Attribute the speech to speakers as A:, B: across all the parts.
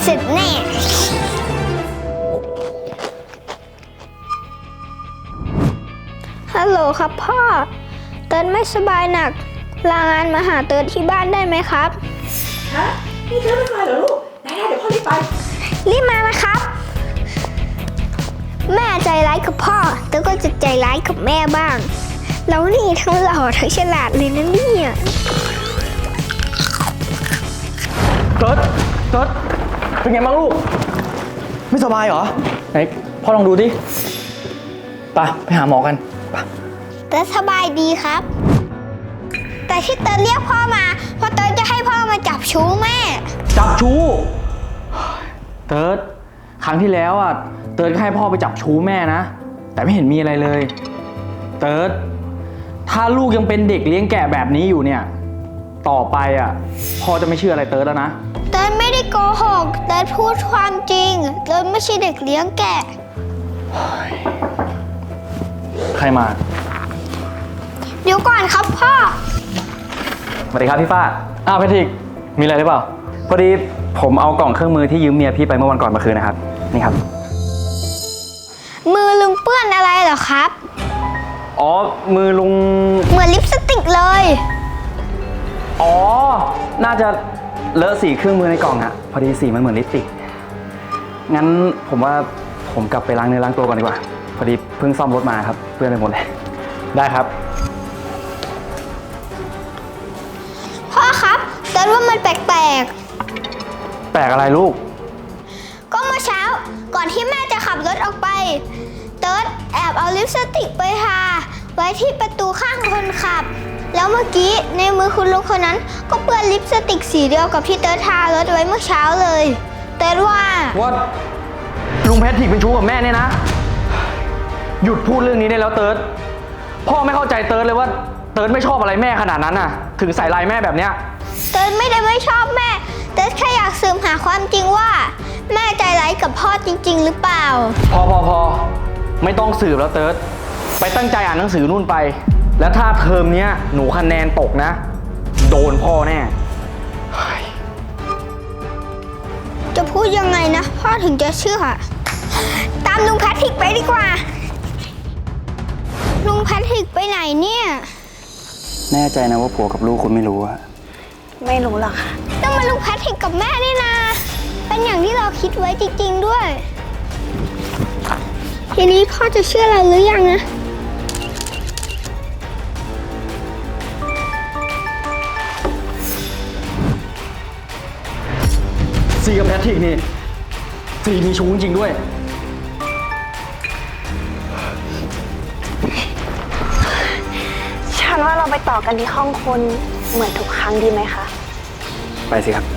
A: เสร็จแน่ฮัลโหลครับพ่อเติร์ดไม่สบายหนักลางานมาหาเติร์ดที่บ้านได้ไหมครับ
B: ฮะนี่เธอไม่มาเหรอลูกได้เดี๋ยวพ่อรีบไป
A: รีบมานะครับแม่ใจร้ายกับพ่อเติร์ดก็จะใจร้ายกับแม่บ้างแล้วนี่ทั้งหล่อทั้งฉลาดเลยนะเนี่ย
C: เติร์ดเป็นไงบ้างลูกไม่สบายเหรอไหนพ่อลองดูดิไปหาหมอกันไป
A: เติร์ดสบายดีครับแต่ที่เติร์ดเรียกพ่อมาเพราะเติร์ดจะให้พ่อมาจับชู้แม่
C: จับชู้เติร์ดครั้งที่แล้วอ่ะเติร์ดก็ให้พ่อไปจับชู้แม่นะแต่ไม่เห็นมีอะไรเลยเติร์ดถ้าลูกยังเป็นเด็กเลี้ยงแกะแบบนี้อยู่เนี่ยต่อไปอ่ะพ่อจะไม่เชื่ออะไรเติร์ดแล้วนะ
A: เติร์ดไม่ได้โกหกเติร์ดพูดความจริงเติร์ดไม่ใช่เด็กเลี้ยงแกะ
C: ใครมา
A: เดี๋ยวก่อนครับพ่อ
C: สวัสดีครับพี่ฟ้าแพทริกมีอะไรหรือเปล่าพอดีผมเอากล่องเครื่องมือที่ยืมเมียพี่ไปเมื่อวันก่อนมาคืนนะครับนี่ครับ
A: มือลุงเปื้อนอะไรเหรอครับ
C: อ๋อมือลุง
A: เหมือนลิปสติกเลย
C: อ๋อน่าจะเลอะสีเครื่องมือในกล่องอะพอดีสีมันเหมือนลิปสติกงั้นผมว่าผมกลับไปล้างเนื้อล้างตัวก่อนดีกว่าพอดีเพิ่งซ่อมรถมาครับเปื้อนไปหมดเลยได้ครับ
A: พ่อครับเติร์ดว่ามันแปลก
C: อะไรลูก
A: ก็เมื่อเช้าก่อนที่แม่จะขับรถออกไปเติร์ดแอบเอาลิปสติกไปทาไว้ที่ประตูข้างคนขับแล้วเมื่อกี้ในมือคุณลุงคนนั้นก็เปื้อนลิปสติกสีเดียวกับที่เติร์ดทารถไว้เมื่อเช้าเลยเติร์ดว่า
C: ลุงแพทริกเป็นชู้กับแม่เนี่ยนะหยุดพูดเรื่องนี้ได้แล้วเติร์ดพ่อไม่เข้าใจเติร์ดเลยว่าเติร์ดไม่ชอบอะไรแม่ขนาดนั้นน่ะถึงใส่ลายแม่แบบเนี้ย
A: เติร์ดไม่ได้ไม่ชอบแม่เติร์ดแค่อยากสืบหาความจริงว่าแม่ใจร้ายกับพ่อจริงๆหรือเปล่า
C: พอไม่ต้องสืบแล้วเติร์ดไปตั้งใจอ่านหนังสือนู่นไปแล้วถ้าเทอมเนี้ยหนูคะแนนตกนะโดนพ่อแน่
A: จะพูดยังไงนะพ่อถึงจะเชื่อตามลุงแพทริกไปดีกว่าลุงแพทริกไปไหนเนี่ย
C: แน่ใจนะว่าผัวกับลูกคุณไม่รู้อะ
A: ไม่รู้หรอกค่ะต้องมาลุงแพทริกกับแม่นี่นะเป็นอย่างที่เราคิดไว้จริงๆด้วยทีนี้พ่อจะเชื่อเราหรือยังนะ
C: ซีกับแพทริกนี่ซีมีชู้จริงด้วย
D: ฉันว่าเราไปต่อกันที่ห้องคนเหมือนทุกครั้งดีไหมคะ
C: ไปสิครับ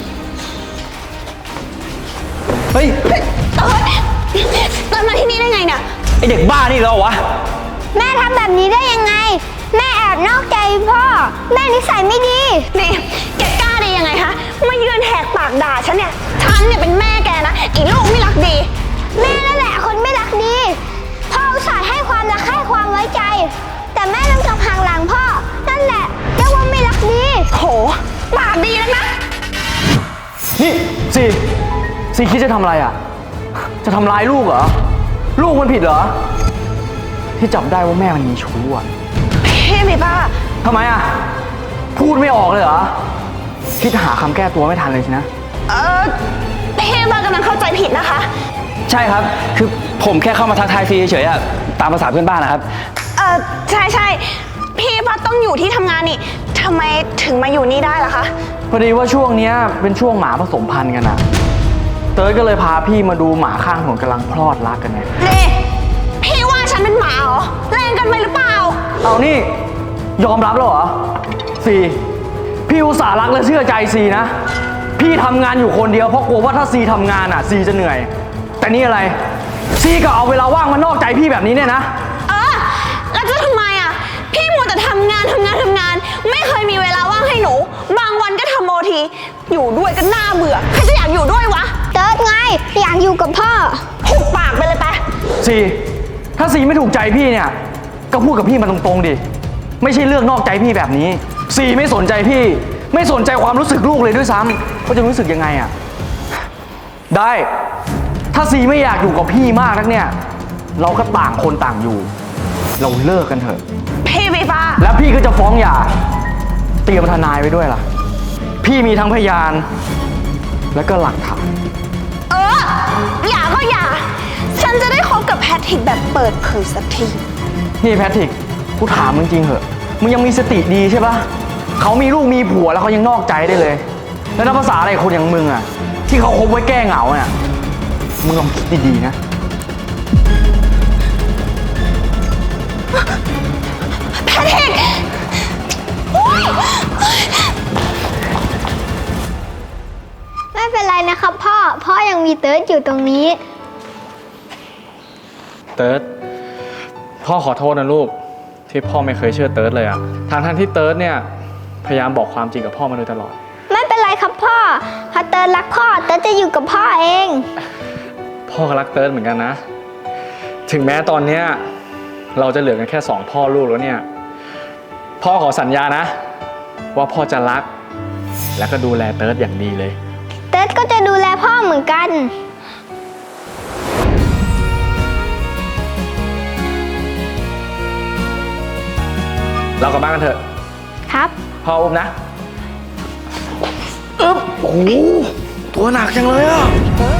C: เฮ้ย
D: เติร์ดมาที่นี่ได้ไงเนี่ย
C: ไอเด็กบ้านี่เหรอวะ
A: แม่ทำแบบนี้ได้ยังไงแม่แอบนอกใจพ่อแม่นิสัยไม่ดี
D: นี่แกกล้าได้ยังไงคะมายืนแหกปากด่าฉันเนี่ยเป็นแม่แกนะไอ้ลูกไม่รักดี
A: แม่นั่นแหละคนไม่รักดีพ่ออุตส่าห์ให้ความรักให้ความไว้ใจแต่แม่ต้องกลับห่างหลังพ่อนั่นแหละเรียกว่าไม่รักดี
D: โหปากดีแล้วนะ
C: นี่ซีคิดจะทำอะไรอ่ะจะทำร้ายลูกเหรอลูกมันผิดเหรอที่จับได้ว่าแม่มันมีชู้อ่ะ
D: พี่มีป้า
C: ทำไมอ่ะพูดไม่ออกเลยเหรอคิดหาคำแก้ตัวไม่ทันเลยสินะ
D: พี่ป้ากำลังเข้าใจผิดนะคะ
C: ใช่ครับคือผมแค่เข้ามาทักทายซีเฉยๆอ่ะตามภาษาเพื่อนบ้านนะครับ
D: ใช่พี่ป้าต้องอยู่ที่ทำงานนี่ทำไมถึงมาอยู่นี่ได้ล่ะคะ
C: พอดีว่าช่วงนี้เป็นช่วงหมาผสมพันธุ์กันอ่ะเติร์ดก็เลยพาพี่มาดูหมาข้างถนนกำลังพลอดรักกันไง
D: พี่ว่าฉันเป็นหมาเหรอแรงกันไปหรือเปล่า
C: เอานี่ยอมรับแล้วเหรอซีพี่อุตส่าห์รักและเชื่อใจซีนะพี่ทำงานอยู่คนเดียวเพราะกลัวว่าถ้าซีทำงานอ่ะซีจะเหนื่อยแต่นี่อะไรซีก็เอาเวลาว่างมานอกใจพี่แบบนี้เนี่ยนะ
D: แล้วจะทำไมอ่ะพี่มัวแต่ทำงานไม่เคยมีเวลาว่างให้หนูบางวันก็ทำโอทีอยู่ด้วยก็น่าเบื่อใครจะอยากอยู่ด้วยวะ
A: เติร์ดไงอยากอยู่กับพ่อ
D: หุบปากไปเลยไป
C: ซีถ้าซีไม่ถูกใจพี่เนี่ยก็พูดกับพี่มาตรงๆดิไม่ใช่เลือกนอกใจพี่แบบนี้ซีไม่สนใจพี่ไม่สนใจความรู้สึกลูกเลยด้วยซ้ำเขาจะรู้สึกยังไงอ่ะได้ ถ้าซีไม่อยากอยู่กับพี่มากนักเนี่ย เราก็ต่างคนต่างอยู่ เราเลิกกันเถอะ
D: พี่วีฟ้า
C: แล้วพี่ก็จะฟ้องหย่า เตรียมทนายไว้ด้วยล่ะ พี่มีทั้งพยาน และก็หลักฐาน
D: อย่าก็อย่า ฉันจะได้คบกับแพทริกแบบเปิดเผยสักที
C: นี่แพทริก กูถามมึงจริงเหอะ มึงยังมีสติดีใช่ปะ เขามีลูกมีผัวแล้วเขายังนอกใจได้เลย แล้วนับภาษาอะไรคนอย่างมึงอะที่เขาคบไว้แก้เหงาเนี่ยมึงลองคิดดีๆนะ
D: แพทริกโอ๊ย
A: ไม่เป็นไรนะครับพ่อยังมีเติร์ดอยู่ตรงนี้
C: เติร์ดพ่อขอโทษนะลูกที่พ่อไม่เคยเชื่อเติร์ดเลยอะทั้งที่เติร์ดเนี่ยพยายามบอกความจริงกับพ่อมาโดยตลอด
A: ไม่เป็นไรครับพ่อถ้าเติร์ดรักพ่อเติร์ดจะอยู่กับพ่อเอง
C: พ่อก็รักเติร์ดเหมือนกันนะ ถึงแม้ตอนเนี้ยเราจะเหลือกันแค่2พ่อลูกแล้วเนี่ยพ่อขอสัญญานะ ว่าพ่อจะรักและก็ดูแลเติร์ดอย่างดีเลย
A: เติร์ดก็จะดูแลพ่อเหมือนกัน
C: เรากลับบ้านกันเถอะ
A: ครับ
C: พ่ออุ้มนะอึ๊บโอ้โหตัวหนักจังเลยอ่ะ